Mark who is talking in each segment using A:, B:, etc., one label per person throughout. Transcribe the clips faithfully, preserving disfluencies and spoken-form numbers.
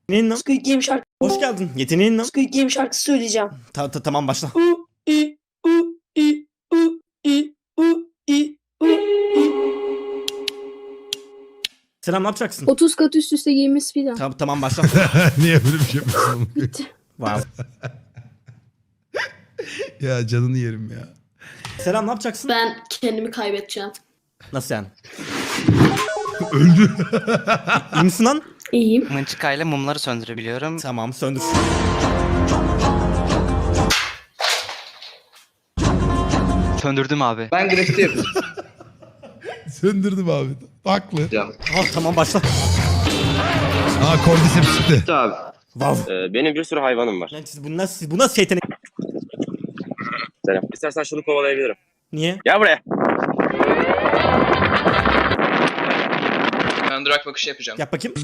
A: Yeteneğin ne?
B: Squid Game şarkı.
A: Hoş geldin. Yeteneğin ne?
B: Squid Game şarkısı söyleyeceğim.
A: Ta ta tamam başla.
B: U i u i u i u i u i.
A: Selam, ne yapacaksın?
C: otuz kat üst üste giymiş filan.
A: Ta tamam başla.
D: Niye böyle bir şey yapıyorsun?
C: Bitti.
A: Wow.
D: Ya canını yerim ya.
A: Selam, ne yapacaksın?
C: Ben kendimi kaybedeceğim.
A: Nasıl yani?
D: Öldü.
A: İyi misin lan?
C: İyiyim.
E: Mınçıkayla mumları söndürebiliyorum.
A: Tamam, söndür.
E: Söndürdüm abi.
F: Ben grafiti yapıyorum.
D: Söndürdüm abi. Haklı.
A: Ah tamam başla.
D: Aa kordiseps çıktı.
G: Abi,
A: Wow.
G: e, benim bir sürü hayvanım var.
A: Lan siz bu nasıl bu nasıl yetenek?
G: Selam. İstersen şunu kovalayabilirim.
A: Niye?
G: Gel buraya.
F: Ben durak bakışı yapacağım.
A: Yap bakayım.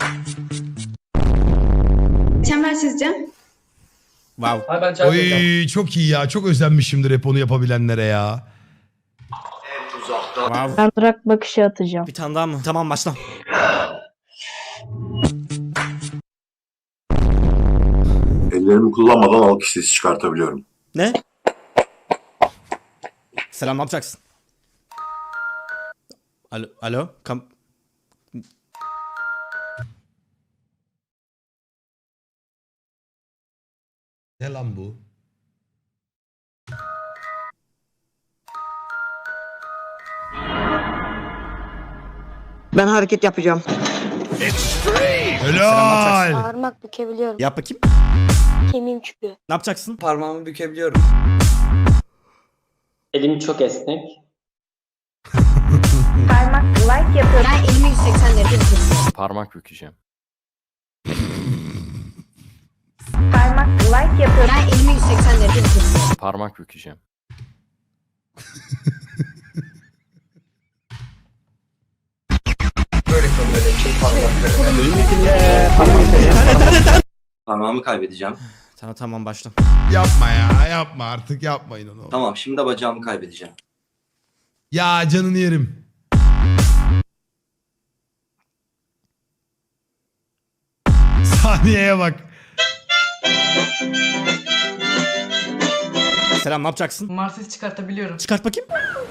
H: Çember çizeceğim.
A: Wow.
F: Abi ben çay yapacağım.
D: Oy çok iyi ya. Çok özlenmişimdir hep onu yapabilenlere ya.
A: Wow.
I: Ben durak bakışı atacağım.
A: Bir tane daha mı? Tamam başla.
J: Ellerimi kullanmadan alkış sesi çıkartabiliyorum.
A: Ne? Selam, ne yapacaksın? Alo, alo. Kam
D: Ne lan bu?
B: Ben hareket yapacağım.
D: Helal.
H: Parmak bükebiliyorum.
A: Yap bakayım.
H: Kemiğim çıkıyor.
A: Ne yapacaksın?
F: Parmağımı bükebiliyorum.
K: Elim çok esnek.
H: Parmak like yapıyorum.
C: Ben elimi yüz seksen derece tutuyorum.
K: Parmak bükeceğim.
H: Parmak like yapıyorum.
C: Ben elimi yüz seksen derece tutuyorum.
K: Parmak bükeceğim.
F: Böyle böyle şey parmakları.
J: Parmağımı kaybedeceğim.
A: Tamam tamam başla.
D: Yapma ya. Yapma artık. Yapmayın onu.
J: Tamam, şimdi de bacağımı kaybedeceğim.
D: Ya canını yerim. Saniyeye bak.
A: Selam, ne yapacaksın?
B: Mars sesi çıkartabiliyorum.
A: Çıkart bakayım.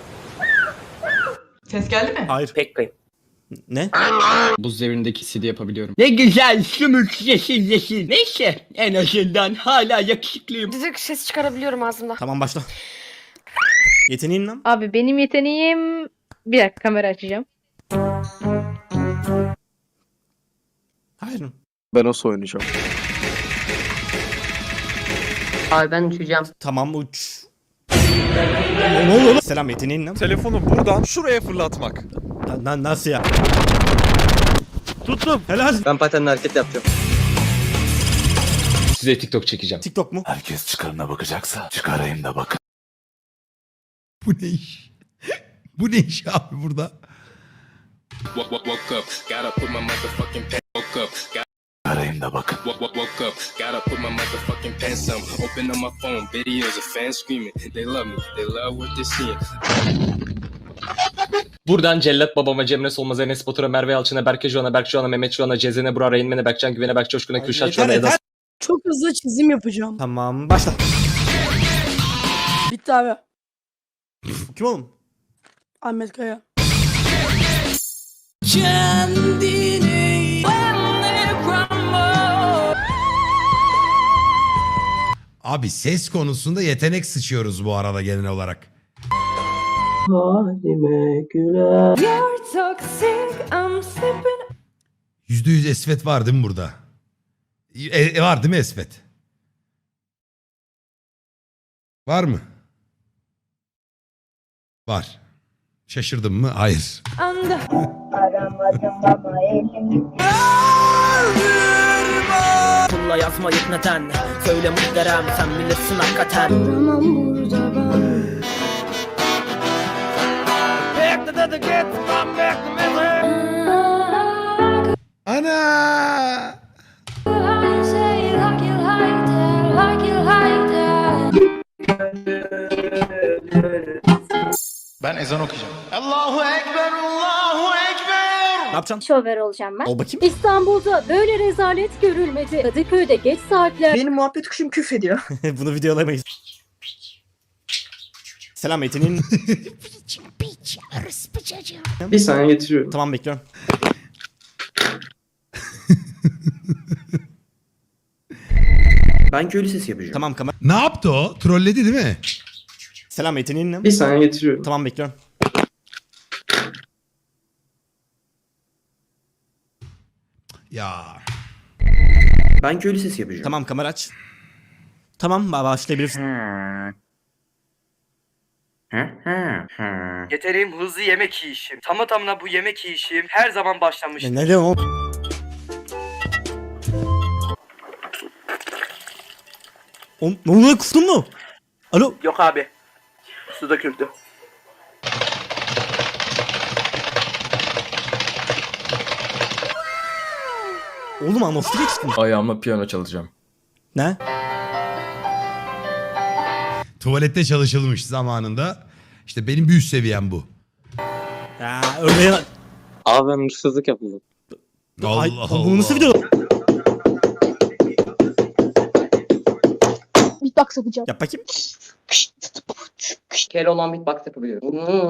B: Ses geldi mi?
A: Hayır.
G: Pek kayıp.
A: Ne?
K: Buz devrindeki C D yapabiliyorum.
B: Ne güzel sümük yeşil yeşil. Neyse en azından hala yakışıklıyım.
H: Düdük ses çıkarabiliyorum ağzımda.
A: Tamam başla. Yeteneğin ne?
I: Abi benim yeteneğim... Bir dakika kamera açacağım.
A: Hayır.
K: Ben nasıl oynayacağım?
B: Abi ben uçacağım.
A: Tamam uç. Ne ne oluyor lan? Selam, yeteneğin ne?
L: Telefonu buradan şuraya fırlatmak.
A: Na- na- nasıl ya? Tuttum. Helal.
F: Ben patenle hareket yapacağım.
K: Size TikTok çekeceğim.
A: TikTok mu?
J: Herkes çıkarına bakacaksa çıkarayım da bakın.
D: Bu ne iş? Bu ne iş abi burada?
J: Çıkarayım da bakın.
K: Buradan Cellat babama, Cemre Solmaz, Enes Batur'a, Merve Yalçın'a, Berke Joğan'a, Berk Joğan'a, Mehmet Joğan'a, Cezene Burak'a, Reynmen'e, Berkcan Güven'e, Berk Coşkun'a,
A: Ay,
K: Kürşat
A: yeter,
K: Joğan'a, Eda
A: yeter.
B: Çok hızlı çizim yapacağım.
A: Tamam başla.
B: Bitti abi.
A: Bu kim oğlum?
B: Ahmet Kaya.
D: Abi ses konusunda yetenek sıçıyoruz bu arada genel olarak. Yüzde yüz Esvet var değil mi burada? E, e, var değil mi Esvet? Var mı? Var. Şaşırdım mı? Hayır.
B: Pulla yazmayıp neden? Söyle muhterem sen bilirsin hakikaten.
C: Duramam burada ben.
D: Ana!
L: Ben ezan okuyacağım. Allahu Ekber, Allahu Ekber.
I: Ne yapacaksın?
H: Şoför olacağım ben.
I: Ol bakayım.
H: İstanbul'da böyle rezalet görülmedi. Kadıköy'de geç saatler.
F: Benim muhabbet kuşum küfrediyor.
I: Bunu videolayamayız. Selam yeteneğin.
B: Bir saniye getiriyorum.
I: Tamam bekliyorum.
B: Ben köylü sesi yapacağım.
I: Tamam kamera.
D: Ne yaptı o? Trolledi değil mi?
I: Selam yeteneğin ne?
B: Bir saniye getiriyorum.
I: Tamam bekliyorum.
D: Ya.
B: Ben köylü sesi yapacağım.
I: Tamam kamera aç. Tamam ba- başlayabilirsin.
E: Yeteneğim hızlı yemek yiyişim. Tamı tamına bu yemek yiyişim her zaman başlamış.
I: Ne, ne diyorsun oğlum? Oğlum ne oluyor, kustun mu? Alo.
E: Yok abi. Su döküldü.
I: Oğlum anonslu geçtin.
K: Ayağımla piyano çalacağım.
I: Ne?
D: Tuvalette çalışılmış zamanında. İşte benim bir üst seviyem bu.
I: Ya örneğin...
G: Abi ben hırsızlık yapıldı.
D: Allah
I: Ay,
D: Allah.
I: Bu nasıl video?
H: Beatbox yapacağım.
I: Yap bakayım.
E: Keloğlan beatbox yapabiliyor.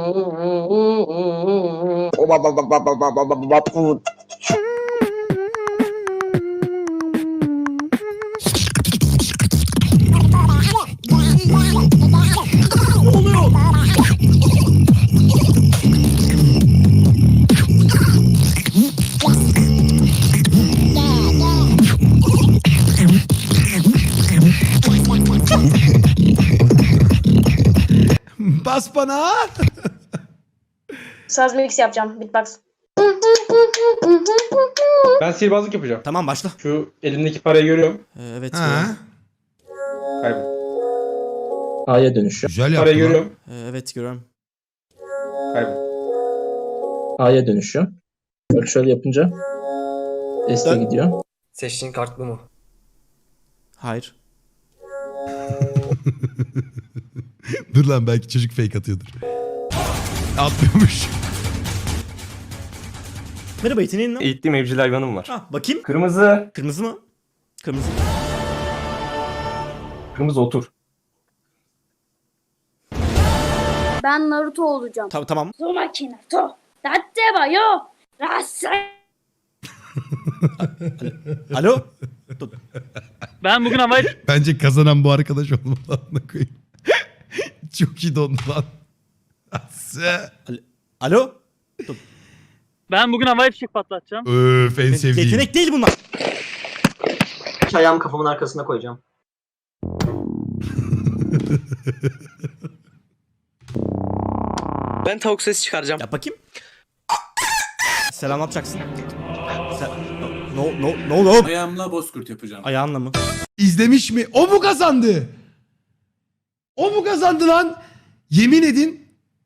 D: Bas bana.
H: Saz mix yapacağım. Beatbox.
B: Ben sihirbazlık yapacağım.
I: Tamam başla.
B: Şu elimdeki parayı görüyorum.
I: Ee, evet.
D: Ha,
B: Kaybol.
K: A'ya dönüşü.
D: güzel
B: Parayı
D: yaptın lan.
B: görüyorum.
I: Ee, evet görüyorum.
B: Kaybol.
K: A'ya dönüşü. Bak şöyle yapınca S'e
I: Dön.
K: gidiyor.
F: Seçtiğin kartlı mı?
I: Hayır.
D: Dur lan, belki çocuk fake atıyordur. Atmıyormuş.
I: Merhaba yeteneğin ne?
L: Eğittiğim evcil hayvanım var.
I: Ha bakayım.
L: Kırmızı.
I: Kırmızı mı? Kırmızı.
L: Kırmızı otur.
H: Ben Naruto olacağım.
I: Ta- tamam.
H: Uzumaki Naruto. Datte wa yo. Rasai.
I: Alo.
E: Ben bugün havayı...
D: Bence kazanan bu arkadaş olmalı. Amına koyayım. Çok iyi dondu lan. Ası.
I: Alo.
E: Ben bugün havai fişek patlatacağım.
D: Öf, en sevdiğim.
I: Yetenek değil bunlar.
F: Ayağımı kafamın arkasına koyacağım.
E: Ben tavuk sesi çıkaracağım.
I: Yap bakayım. Selam ne yapacaksın? Sen... No no no no.
J: Ayağımla bozkurt yapacağım.
I: Ayağınla mı?
D: İzlemiş mi? O mu kazandı? O mu kazandı lan? Yemin edin.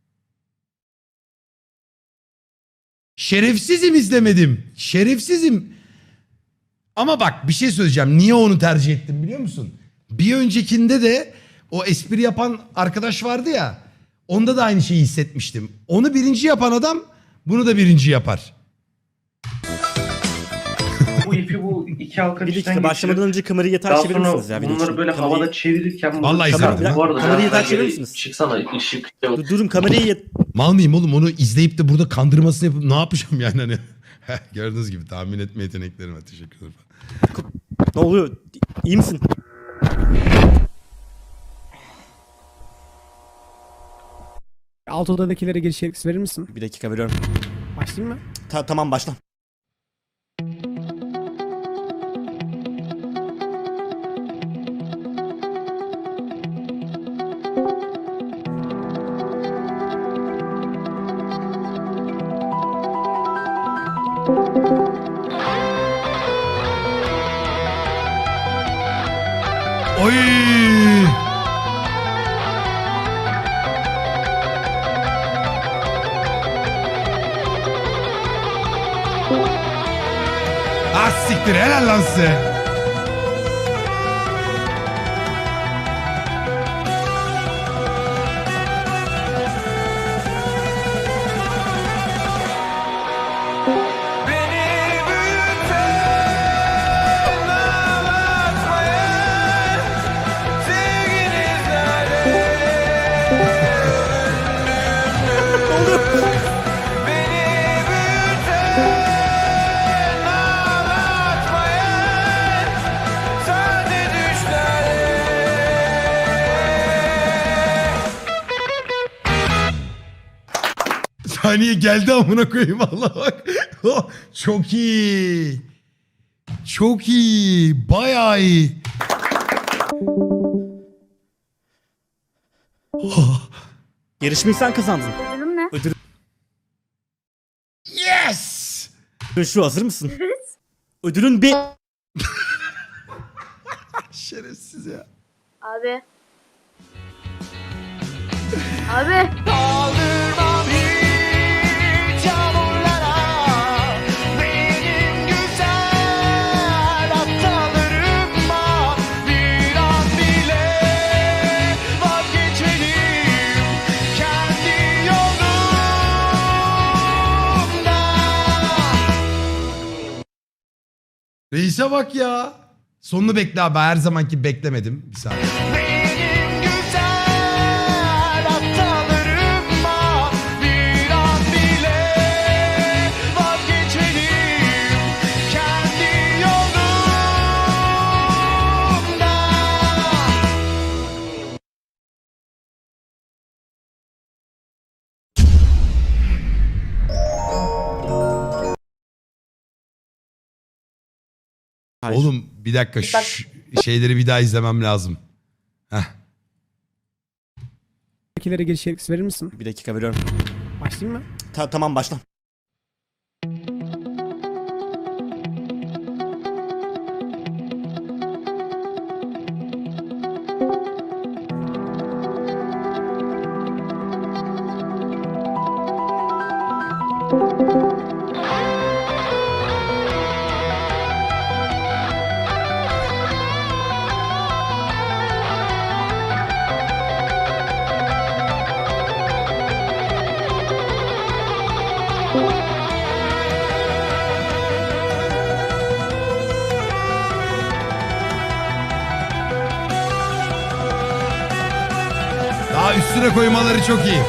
D: Şerefsizim, izlemedim. Şerefsizim. Ama bak bir şey söyleyeceğim. Niye onu tercih ettim biliyor musun? Bir öncekinde de o espri yapan arkadaş vardı ya. Onda da aynı şeyi hissetmiştim. Onu birinci yapan adam bunu da birinci yapar.
B: Bu ipi bu iki halka
I: Bir dakika başlamadan önce kamerayı yatağa çevirir misiniz ya? Bir dakika. Kamerayı-
B: çevirirken...
D: Vallahi
I: Kamera-
D: izlemedim.
I: bir dakika, kamerayı yatağa çevirir misiniz?
B: Çıksana ışık.
I: Dur, durun kamerayı yat...
D: Mal mıyım oğlum, onu izleyip de burada kandırmasını yapıp ne yapacağım yani hani. Gördüğünüz gibi tahmin etme yeteneklerim var. Teşekkür ederim.
I: Ne oluyor? İyi misin?
A: Alt odadakilere giriş yetkisi verir misin?
I: Bir dakika veriyorum.
A: Başlayayım mı?
I: Ta- tamam başla.
D: Oy! Ah siktir, helal lan size. Saniye geldi amına koyayım Allah bak. Çok iyi. Çok iyi. Bayağı iyi.
I: Yarışmayı sen kazandın.
H: Ödülüm ne?
I: Ödül
D: Yes!
I: şu, hazır mısın? Ödülün bir...
D: Şerefsiz ya.
H: Abi. Abi.
D: Reis'e bak ya. Sonunu bekle abi. Her zamanki beklemedim. Bir saniye.
I: Hayır.
D: Oğlum bir dakika şu şeyleri bir daha izlemem lazım. Heh.
B: Buradakileri giriş yetkisi verir misin?
I: Bir dakika veriyorum.
B: Başlayayım mı?
I: Ta- tamam başla.
D: Daha üstüne koymaları çok iyi.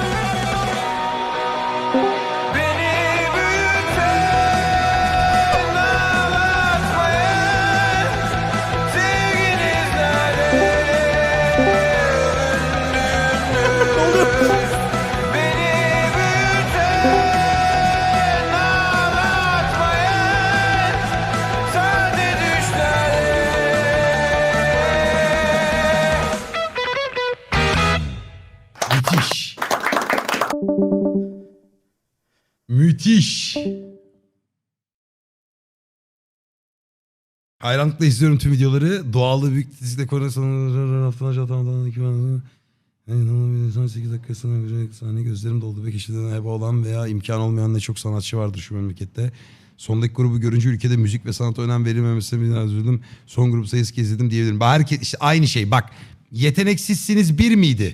D: Müthiş. Müthiş. Hayranlıkla izliyorum tüm videoları. Doğallığı büyük dizide konu sonu sekiz dakika sonra sahne gözlerim doldu ve kişiden heba olan veya imkan olmayan ne çok sanatçı vardır şu memlekette. Sondaki grubu görünce ülkede müzik ve sanata önem verilmemesine biraz üzüldüm. Son grup sayısı kez izledim diyebilirim. Herkes işte aynı şey. Bak, yeteneksizsiniz bir miydi?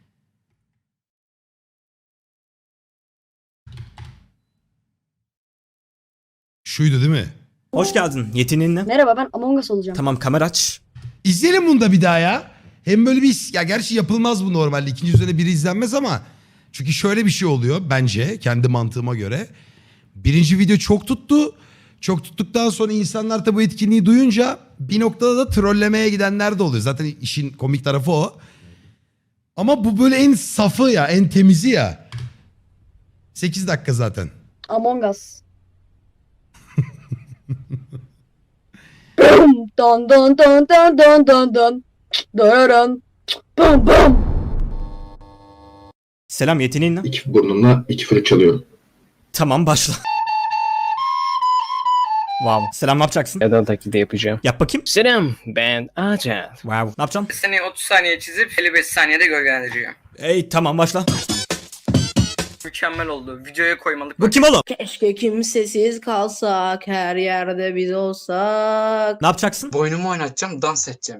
D: Şuydu değil mi?
I: Hoş geldin. Yeteneğin ne?
H: Merhaba, ben Among Us olacağım.
I: Tamam, kamera aç.
D: İzleyelim bunu da bir daha ya. Hem böyle bir his- ya gerçi yapılmaz bu normalde. İkinci üzerine biri izlenmez ama çünkü şöyle bir şey oluyor bence kendi mantığıma göre. Birinci video çok tuttu. Çok tuttuktan sonra insanlar da bu etkinliği duyunca bir noktada da trollemeye gidenler de oluyor. Zaten işin komik tarafı o. Ama bu böyle en safı ya, en temizi ya. sekiz dakika zaten.
H: Among Us. Don don don don don don don. Dararan. Bum bum.
I: Selam, yeteneğin ne?
M: İki burnumla iki flüt çalıyorum.
I: Tamam, başla. Wow. Selam, ne yapacaksın?
K: Eda taklidi yapacağım.
I: Yap bakayım.
K: Selam, ben Acan.
I: Wow. Ne yapacaksın?
E: Seni otuz saniye çizip elli beş saniyede gölgelendiriyor.
I: Ey tamam, başla.
E: Mükemmel oldu. Videoya koymalık.
I: Bu kim oğlum?
C: Keşke kimsesiz kalsak, her yerde biz olsak.
I: Ne yapacaksın?
E: Boynumu oynatacağım, dans edeceğim.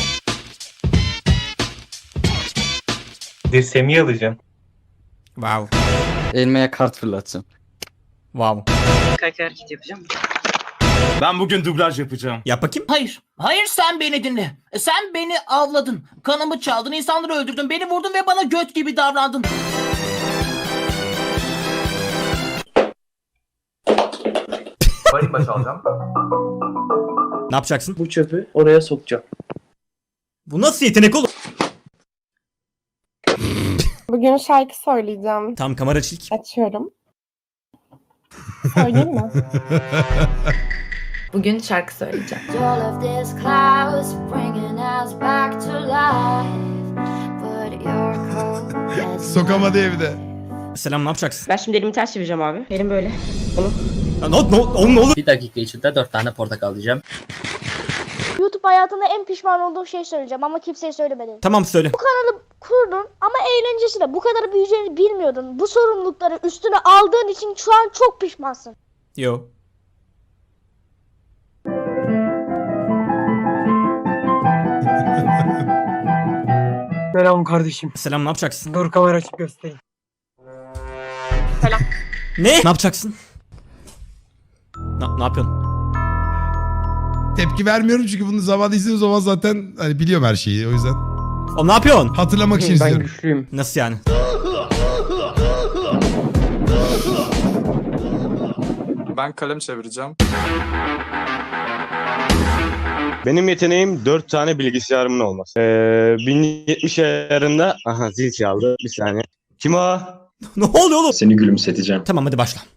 K: Dirseğimi alacağım.
I: Wow.
G: Elmeye kart fırlatacağım.
I: Wow.
E: Kayak hareket yapacağım.
L: Ben bugün dublaj yapacağım.
I: Yap bakayım.
E: Hayır. Hayır, sen beni dinle. Sen beni avladın. Kanımı çaldın, insanları öldürdün, beni vurdun ve bana göt gibi davrandın.
F: Marimba çalacağım.
I: Ne yapacaksın?
E: Bu çöpü oraya sokacağım.
I: Bu nasıl yetenek oğlum?
H: Bugün Bugün şarkı söyleyeceğim.
I: Tam kamera çek.
H: Açıyorum. Söyleyeyim mi?
C: Bugün şarkı söyleyeceğim.
D: Sokamadı evde.
I: Selam, ne yapacaksın?
H: Ben şimdi elimi ters çevireceğim abi. Elim böyle.
I: Ya, ne, ne, oğlum ne olur?
K: Bir dakika içinde dört tane portakal diyeceğim.
H: YouTube hayatında en pişman olduğum şey söyleyeceğim ama kimseye söylemedim.
I: Tamam söyle.
H: Kurdun ama eğlencesi de bu kadar büyüyeceğini bilmiyordun. Bu sorumlulukları üstüne aldığın için şu an çok pişmansın.
I: Yo.
F: Selam kardeşim.
I: Selam, ne yapacaksın?
F: Dur kamera açıp göstereyim.
I: Ne? Ne yapacaksın? Ne, ne yapıyorsun?
D: Tepki vermiyorum çünkü bunu zamanında izlediğim zaman zaten hani biliyorum her şeyi o yüzden.
I: O ne yapıyorsun?
D: Hatırlamak için izliyorum.
F: güçlüyüm.
I: Nasıl yani?
L: Ben kalem çevireceğim.
M: Benim yeteneğim dört tane bilgisayarımın olması. Ee, bin yetmiş ayarında... Aha zil çaldı. Bir saniye. Kim o?
I: Ne oluyor oğlum?
M: Seni gülümseteceğim.
I: Tamam hadi başla.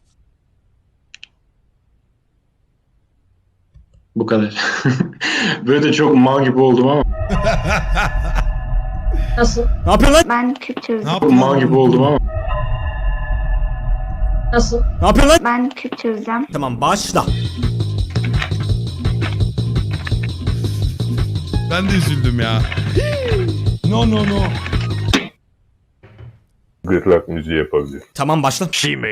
M: Bu kadar. Böyle de çok mal gibi oldum ama.
H: Nasıl?
I: Ne yapıyorsun lan?
H: Ben küp
D: Ne
H: çözdüm.
D: yaptın?
M: Mal gibi oldum ama.
H: Nasıl?
I: Ne yapıyorsun lan?
H: Ben küp çözeceğim.
I: Tamam başla.
D: Ben de üzüldüm ya. No no no.
M: Gırtlak müziği yapabilir.
I: Tamam başla.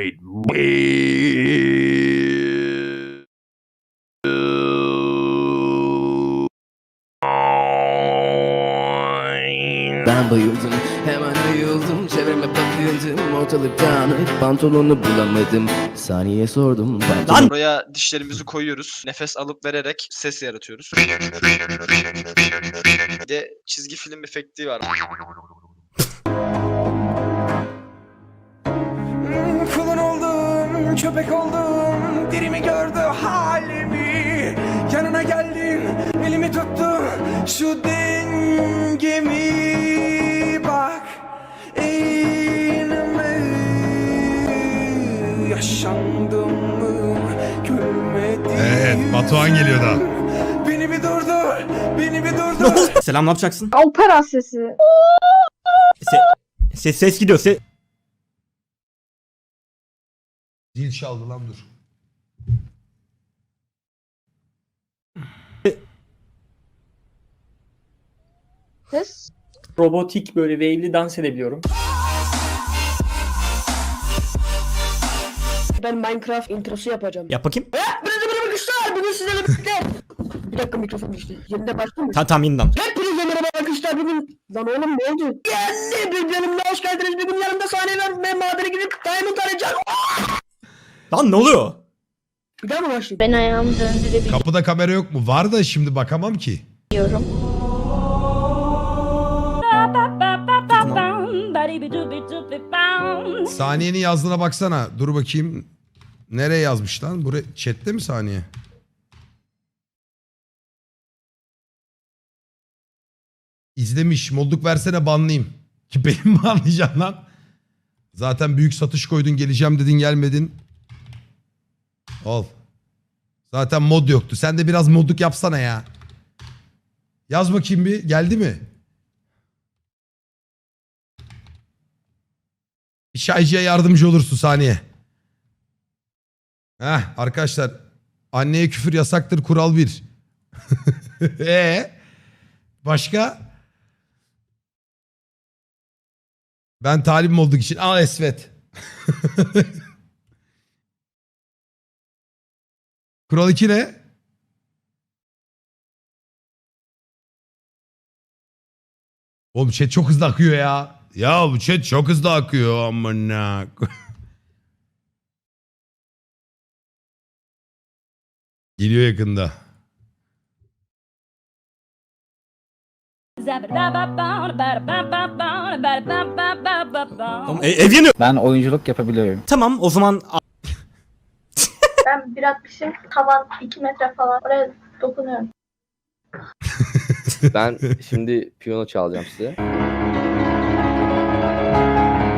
B: Ben bayıldım, hemen ayıldım. Çevreme bakıyordum, ortalık dağınık. Pantolonu bulamadım, saniye sordum.
I: Lan!
L: Buraya dişlerimizi koyuyoruz. Nefes alıp vererek ses yaratıyoruz. Bir de çizgi film efekti var.
B: Kulun oldum, köpek oldum. Dirimi gördü halimi. Yanına geldim, elimi tuttu. Şu dengemi bak. Eğilme. Yaşandım mı? Gülmedim.
D: Evet, Batuhan geliyor da.
B: Beni bir durdur, beni bir durdur.
I: Selam, ne yapacaksın?
H: Opera sesi.
I: Se ses ses gidiyor. Se
D: Zil çaldı lan dur.
H: Ses.
F: Robotik böyle wave'li dans edebiliyorum.
H: Ben Minecraft introsu yapacağım.
I: Yap bakayım.
H: Hepinize merhaba arkadaşlar. Bugün sizlerle birlikte. Bir dakika mikrofon düştü. Yerinde başlamış.
I: Tamam tamam yeniden.
H: Hepinize merhaba arkadaşlar. Bugün... Lan oğlum ne oldu? Geldi. Bir bölümde hoş geldiniz. Bugün yanımda sahne var. Ben madene gidip Diamond arayacağım.
I: Lan ne oluyor?
H: Bir daha mı başlayayım? Ben ayağımı döndürebiliyorum.
D: Kapıda kamera yok mu? Var da şimdi bakamam ki. Saniyenin yazdığına baksana. Dur bakayım. Nereye yazmış lan? Buraya chatte mi saniye? İzlemiş. Modluk versene banlayayım. Ki benim mi anlayacaksın lan? Zaten büyük satış koydun, geleceğim dedin, gelmedin. Ol. Zaten mod yoktu. Sen de biraz modluk yapsana ya. Yaz bakayım bir. Geldi mi? Bir şaycıya yardımcı olursun saniye. Heh arkadaşlar. Anneye küfür yasaktır kural bir. Eee? Başka? Ben talibim olduk için. Al Esvet. Kural iki ne? Oğlum chat çok hızlı akıyor ya. Ya bu chat çok hızlı akıyor. Amına. Geliyor yakında.
I: Oğlum, e ev yanıyor.
G: Ben oyunculuk yapabiliyorum.
I: Tamam o zaman
H: Ben bir altmışım. Tavan iki metre falan. Oraya dokunuyorum.
G: Ben şimdi piyano çalacağım size.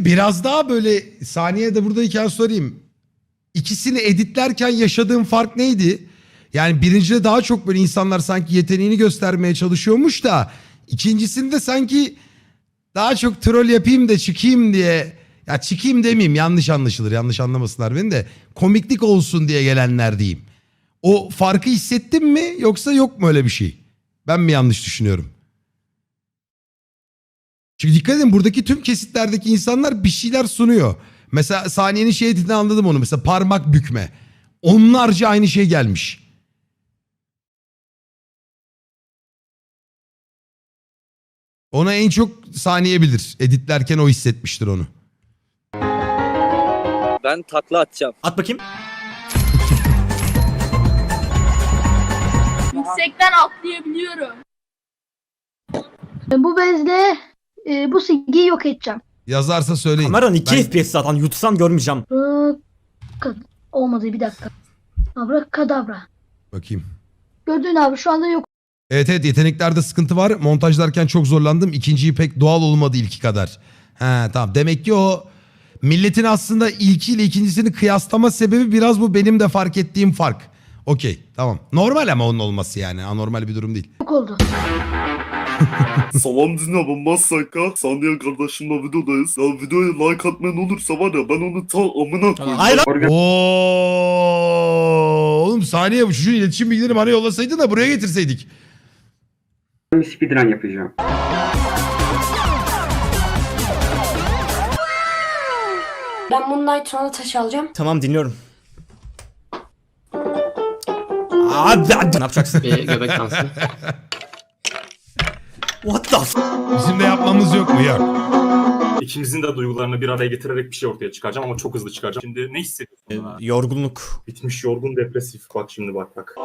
D: biraz daha böyle saniye de buradayken sorayım. İkisini editlerken yaşadığın fark neydi? Yani birincide daha çok böyle insanlar sanki yeteneğini göstermeye çalışıyormuş da ikincisinde sanki daha çok troll yapayım da çıkayım diye, ya çıkayım demeyeyim, yanlış anlaşılır, yanlış anlamasınlar beni de, komiklik olsun diye gelenler diyeyim. O farkı hissettin mi yoksa yok mu öyle bir şey? Ben mi yanlış düşünüyorum? Çünkü dikkat edin, buradaki tüm kesitlerdeki insanlar bir şeyler sunuyor. Mesela saniyenin şey dediğini anladım onu. Mesela parmak bükme. Onlarca aynı şey gelmiş. Ona en çok saniye bilir. Editlerken o hissetmiştir onu.
J: Ben takla atacağım.
I: At bakayım.
H: Yüksekten atlayabiliyorum. Bu bezle e, bu silgiyi yok edeceğim.
D: Yazarsa söyleyin.
I: Kameran iki
D: Ben-
I: F P S zaten. Yutsam görmeyeceğim.
H: Kad- Olmadı, bir dakika. Abrakadabra.
D: Bakayım.
H: Gördün abi, şu anda yok.
D: Evet evet, yeteneklerde sıkıntı var. Montajlarken çok zorlandım. İkinciyi pek doğal olmadı ilki kadar. He tamam. Demek ki o milletin aslında ilkiyle ikincisini kıyaslama sebebi biraz bu benim de fark ettiğim fark. Okey tamam. Normal ama onun olması yani. Anormal bir durum değil.
H: Yok oldu.
A: Salam dinle ben Masaka. Saniye kardeşimle videodayız. Ya videoya like atmayan olursa var ya ben onu ta amına koyayım.
I: Hayır lan.
D: Oo, oğlum saniye bu çocuğun iletişim bilgilerini bana yollasaydın da buraya getirseydik.
F: Speedrun yapacağım.
H: Ben Moonlight sonra taş alacağım.
I: Tamam dinliyorum. Abi ne yapacaksın?
B: Göbek dansı.
I: What the f-
D: Bizim de yapmamız yok mu? Yok.
A: İkimizin de duygularını bir araya getirerek bir şey ortaya çıkaracağım ama çok hızlı çıkaracağım. Şimdi ne hissediyorsun?
I: Ee, Yorgunluk.
A: Bitmiş, yorgun, depresif. Bak şimdi bak bak.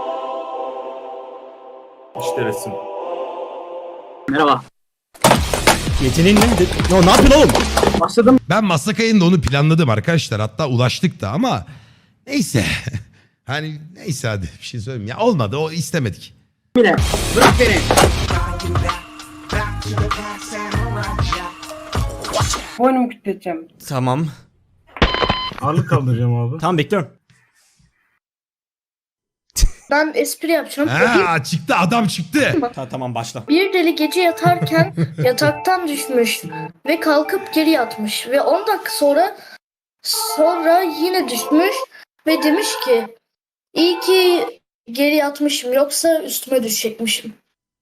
A: İşte resim.
F: Merhaba.
I: Yeteneğin ne? De- No, ne yapıyorsun oğlum?
F: Başladım.
D: Ben Masakay'ın da onu planladım arkadaşlar. Hatta ulaştık da ama neyse. Hani neyse hadi bir şey söyleyeyim. Ya olmadı, o istemedik.
F: Bile. Bırak beni. Boynumu kütleteceğim.
I: Tamam.
F: Ağırlık kaldıracağım abi.
I: Tamam bekliyorum.
H: Ben espri yapacağım.
D: Ha çıktı, adam çıktı.
I: Ta- tamam başla.
H: Bir deli gece yatarken yataktan düşmüş ve kalkıp geri yatmış ve on dakika sonra sonra yine düşmüş ve demiş ki iyi ki geri yatmışım, yoksa üstüme düşecekmişim.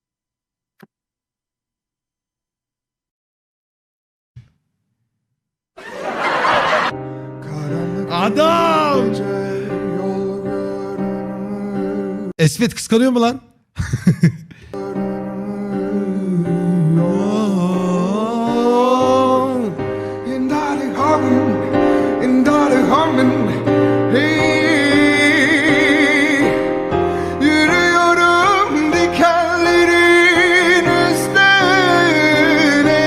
D: Adam! Esmet kıskanıyor mu lan?
A: Yürüyorum dikenlerin üstüne,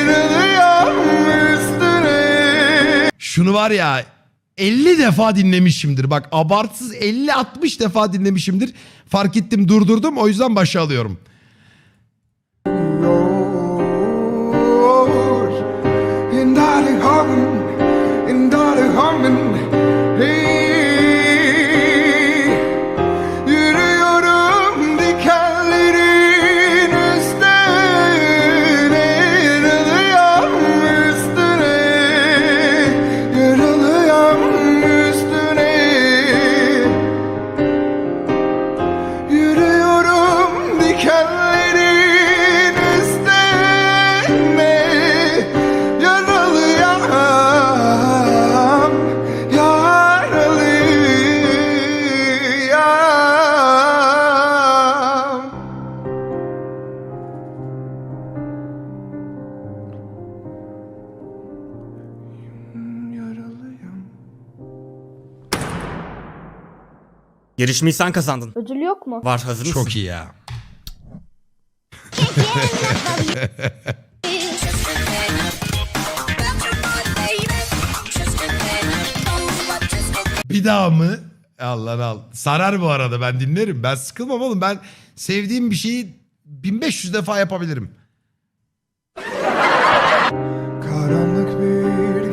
A: üstüne.
D: Şunu var ya elli defa dinlemişimdir. Bak abartsız elli altmış defa dinlemişimdir. Fark ettim, durdurdum, o yüzden başa alıyorum.
A: Yürüyorum dikenlerin üstüne, yaralıyam üstüne, yaralıyam üstüne. Yürüyorum dikenlerin üstüne, yaralıyam, yaralıyam. Yaralıyam.
I: Yarışmayı sen kazandın.
H: Ödül yok mu?
I: Var, hazır mısın?
D: Çok iyi ya. Bir daha mı? Allah al. Sarar bu arada, ben dinlerim. Ben sıkılmam oğlum. Ben sevdiğim bir şeyi bin beş yüz defa yapabilirim.
A: Karanlık bir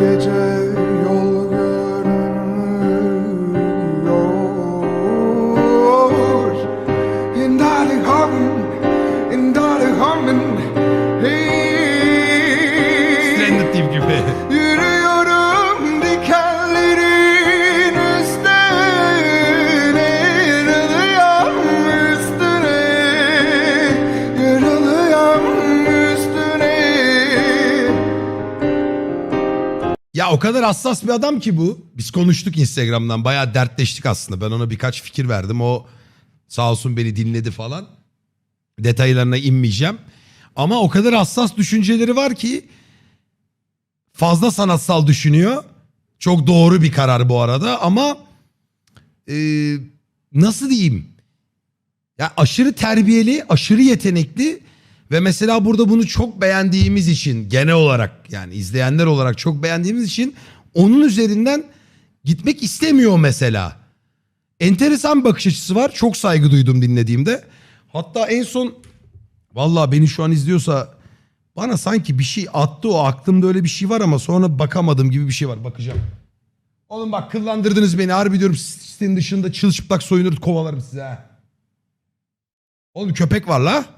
D: Ya o kadar hassas bir adam ki bu. Biz konuştuk Instagram'dan. Bayağı dertleştik aslında. Ben ona birkaç fikir verdim. O sağ olsun beni dinledi falan. Detaylarına inmeyeceğim. Ama o kadar hassas düşünceleri var ki fazla sanatsal düşünüyor. Çok doğru bir karar bu arada ama e, nasıl diyeyim? Ya aşırı terbiyeli, aşırı yetenekli ve mesela burada bunu çok beğendiğimiz için genel olarak yani izleyenler olarak çok beğendiğimiz için onun üzerinden gitmek istemiyor mesela. Enteresan bir bakış açısı var. Çok saygı duydum dinlediğimde. Hatta en son vallahi beni şu an izliyorsa bana sanki bir şey attı, o aklımda öyle bir şey var ama sonra bakamadım gibi bir şey var. Bakacağım. Oğlum bak kıllandırdınız beni. Harbi diyorum sitenin dışında çılçıplak soyunur kovalarım size ha. Oğlum köpek var la.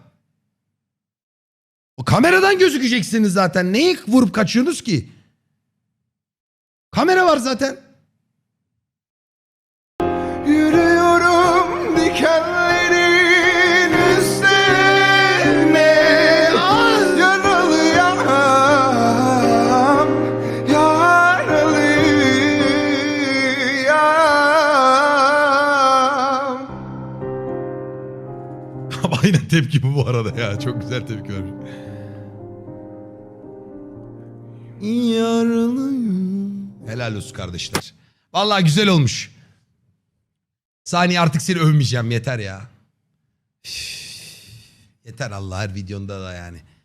D: O kameradan gözükeceksiniz zaten. Neyi vurup kaçıyorsunuz ki? Kamera var zaten. Yürüyorum dikenlerin üstüne. Yaralıyam, yaralıyam. Aynen tepki bu bu arada ya. Çok güzel tepki vermiş. Yaralıyım. Helal olsun kardeşler. Vallahi güzel olmuş. Saniye artık seni övmeyeceğim yeter ya. Üff. Yeter Allah her videonda da yani.